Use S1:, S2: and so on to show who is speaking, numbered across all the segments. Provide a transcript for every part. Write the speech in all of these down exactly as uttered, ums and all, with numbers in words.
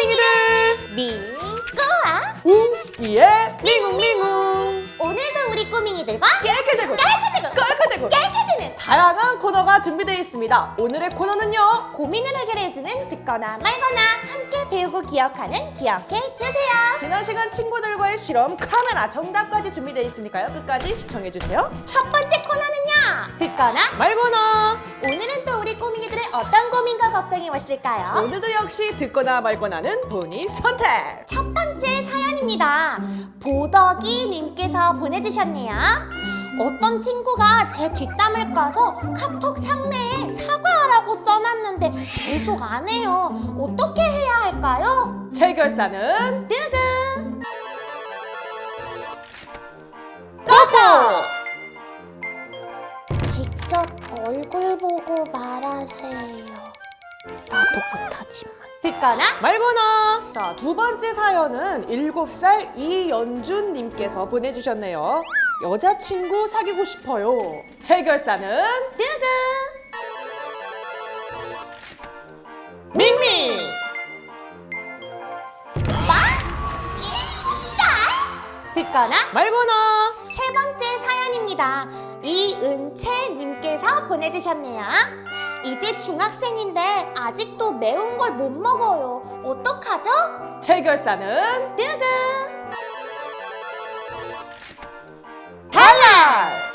S1: 꼬밍이들
S2: 민꾸와
S1: 웅이의 밍웅밍웅.
S2: 오늘도 우리 꼬밍이들과
S1: 깨끗대고
S2: 깔깔대고
S1: 깔깔대고
S2: 깔깔대는
S1: 다양한 코너가 준비되어 있습니다. 오늘의 코너는요,
S2: 고민을 해결해주는 듣거나 말거나 함께 배우고 기억하는 기억해주세요.
S1: 지난 시간 친구들과의 실험 카메라 정답까지 준비되어 있으니까요, 끝까지 시청해주세요.
S2: 첫 번째 코너는요, 듣거나
S1: 말거나.
S2: 오늘은 또 우리 꼬밍이들의 어떤 고민과 걱정이 왔을까요?
S1: 오늘도 역시 듣거나 말거나는 본인 선택.
S2: 첫 번째 사연입니다. 보덕이님께서 보내주셨네요. 어떤 친구가 제 뒷담을 까서 카톡 상내에 사과하라고 써놨는데 계속 안 해요. 어떻게 해야 할까요?
S1: 해결사는
S2: 뜨그
S1: 뽀뽀.
S2: 직접 얼굴 보고 말하세요. 나도 못하지만. 듣거나
S1: 말거나. 자, 두 번째 사연은 일곱 살 이연준님께서 보내주셨네요. 여자친구 사귀고 싶어요. 해결사는
S2: 뜨그
S1: 밍밍.
S2: 뭐? 일곱 살? 듣거나
S1: 말거나.
S2: 세 번째 사연입니다. 이은채님께서 보내주셨네요. 이제 중학생인데 아직도 매운 걸 못 먹어요. 어떡하죠?
S1: 해결사는
S2: 뜨그
S1: 달랄.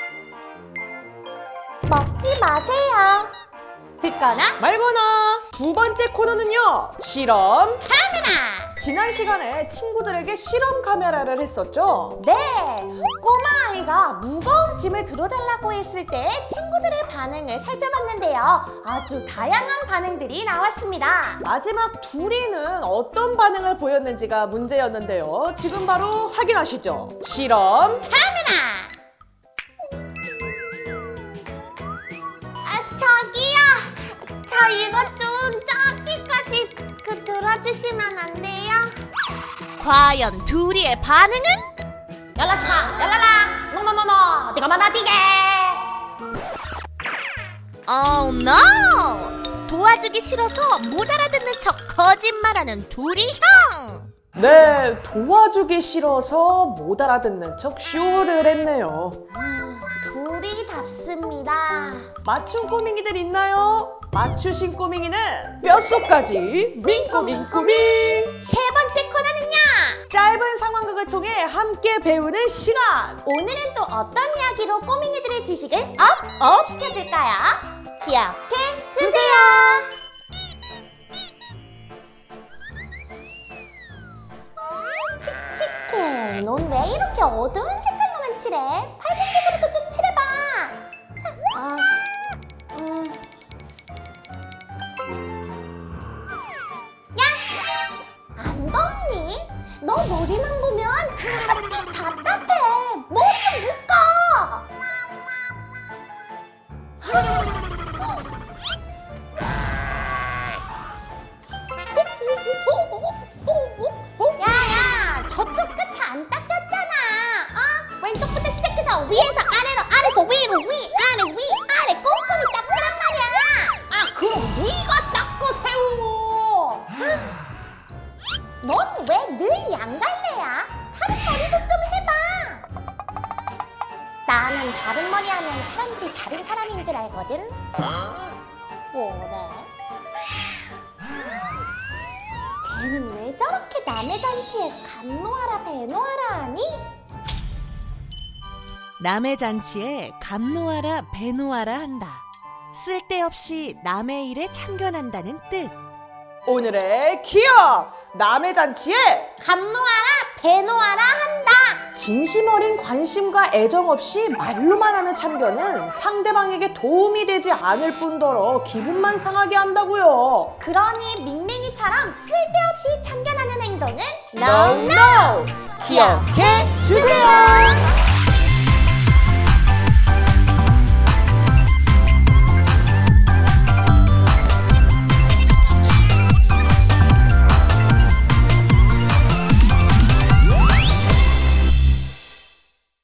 S2: 먹지 마세요. 듣거나
S1: 말거나. 두 번째 코너는요, 실험.
S2: 카메라.
S1: 지난 시간에 친구들에게 실험 카메라를 했었죠.
S2: 네, 꼬마 아이가 무거운 짐을 들어달라고 했을 때 친구들의 반응을 살펴봤는데요. 아주 다양한 반응들이 나왔습니다.
S1: 마지막 둘이는 어떤 반응을 보였는지가 문제였는데요. 지금 바로 확인하시죠. 실험.
S2: 카메라. 아, 저기요. 저 이거 좀 저기까지 그 들어주시면 안 돼요? 과연 둘이의 반응은? 열라시마, 열라라, 노노노노, 네가 만나디게. Oh no! 도와주기 싫어서 못 알아듣는 척 거짓말하는 둘이 형.
S1: 네, 도와주기 싫어서 못 알아듣는 척 쇼를 했네요.
S2: 둘이 답습니다.
S1: 맞춘 꼬밍이들 있나요? 맞추신 꼬밍이는 뼛속까지 민꼬민꼬밍.
S2: 세 번째 코너는요.
S1: 짧은 상황극을 통해 함께 배우는 시간.
S2: 오늘은 또 어떤 이야기로 꼬밍이들의 지식을 업업 시켜줄까요? 기억해 주세요. 칙칙해. 넌 왜 이렇게 어두운 색깔로만 칠해? 밝은색으로도 좀 칠해봐. 자, 아, 음. 야, 안 덥니? 너 머리만 보면 아주 답답해. 뭐 좀 묶어. 야야, 저쪽 끝에 안 닦였잖아. 어? 왼쪽부터 시작해서 위에서 아래로, 아래서 위로, 위, 아래, 위, 아래 꼼꼼히 닦으란 말이야. 아, 그럼 네가 닦으세요. 넌 왜 늘 양갈래야? 다른 머리도 좀 해봐. 나는 다른 머리 하면 사람들이 다른 사람인 줄 알거든. 뭐래? 쟤는 왜 저렇게 남의 잔치에 감노하라 배노하라 하니?
S3: 남의 잔치에 감노하라 배노하라 한다. 쓸데없이 남의 일에 참견한다는 뜻.
S1: 오늘의 기억. 남의 잔치에
S2: 감노하라 배노하라 한다.
S1: 진심 어린 관심과 애정 없이 말로만 하는 참견은 상대방에게 도움이 되지 않을 뿐더러 기분만 상하게 한다고요.
S2: 그러니 밍밍이처럼 쓸데없이 참견하는 행동은
S1: No, no! 기억해 주세요.